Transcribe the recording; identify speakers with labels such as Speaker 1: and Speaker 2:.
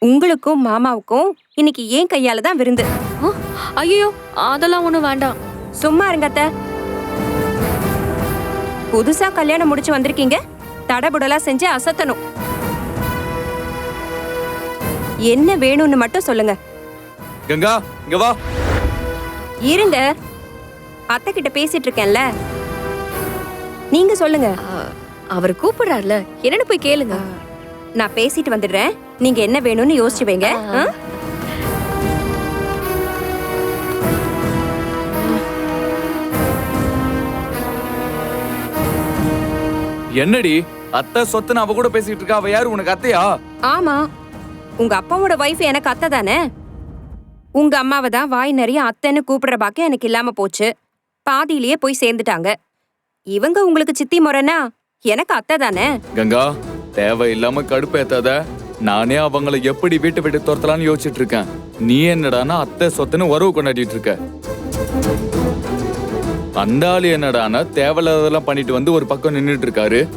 Speaker 1: உங்களுக்கும் மாமாவுக்கும் இன்னைக்கு ஏன் கையால தான் விருந்து.
Speaker 2: ஐயோ, அதெல்லாம் ஒண்ணும் வேண்டாம்.
Speaker 1: சும்மா இருங்க அத்தை. புதுசா கல்யாணம் முடிச்சு வந்திருக்கீங்க, தடபுடலா செஞ்சு அசத்தணும். என்ன வேணும்னு மட்டும் சொல்லுங்க.
Speaker 3: கங்கா, இங்க வா.
Speaker 1: இருங்க, அத்தை கிட்ட பேசிட்டு இருக்கேன்ல, நீங்க சொல்லுங்க.
Speaker 2: அவர் கூப்பிடுறாருல, என்னன்னு போய் கேளுங்க.
Speaker 1: நான் பேசிட்டு வந்துடுறேன், நீங்க என்ன வேணும்னு யோசிச்சு வைங்க.
Speaker 3: என்னடி அத்தை சொத்துன்னு அவ கூட பேசிட்டு இருக்கா? அவ யாரு, உனக்கு அத்தையா?
Speaker 1: ஆமா, உங்க அப்பாவோட வைஃப் எனக்கு அத்தை தானே. உங்க அம்மாவை தான் வாய் நிறைய அத்தைன்னு கூப்பிடுற பாக்கியம் எனக்கு இல்லாம போச்சு. பாதியிலேயே போய் சேர்ந்துட்டாங்க. இவங்க உங்களுக்கு சித்தி முறைனா எனக்கு அத்தை தானே.
Speaker 3: கங்கா, தேவையில்லாம கடுப்பேத்தாத. நானே அவங்கள எப்படி வீட்டு விட்டு துரத்தலான்னு யோசிச்சுட்டு இருக்கேன். நீ என்னடானா அத்தை சொத்துன்னு உறவு கொண்டாடிட்டு இருக்க. அந்த ஆளு என்னடானா தேவையில்லாததெல்லாம் பண்ணிட்டு வந்து ஒரு பக்கம் நின்னுட்டு இருக்காரு.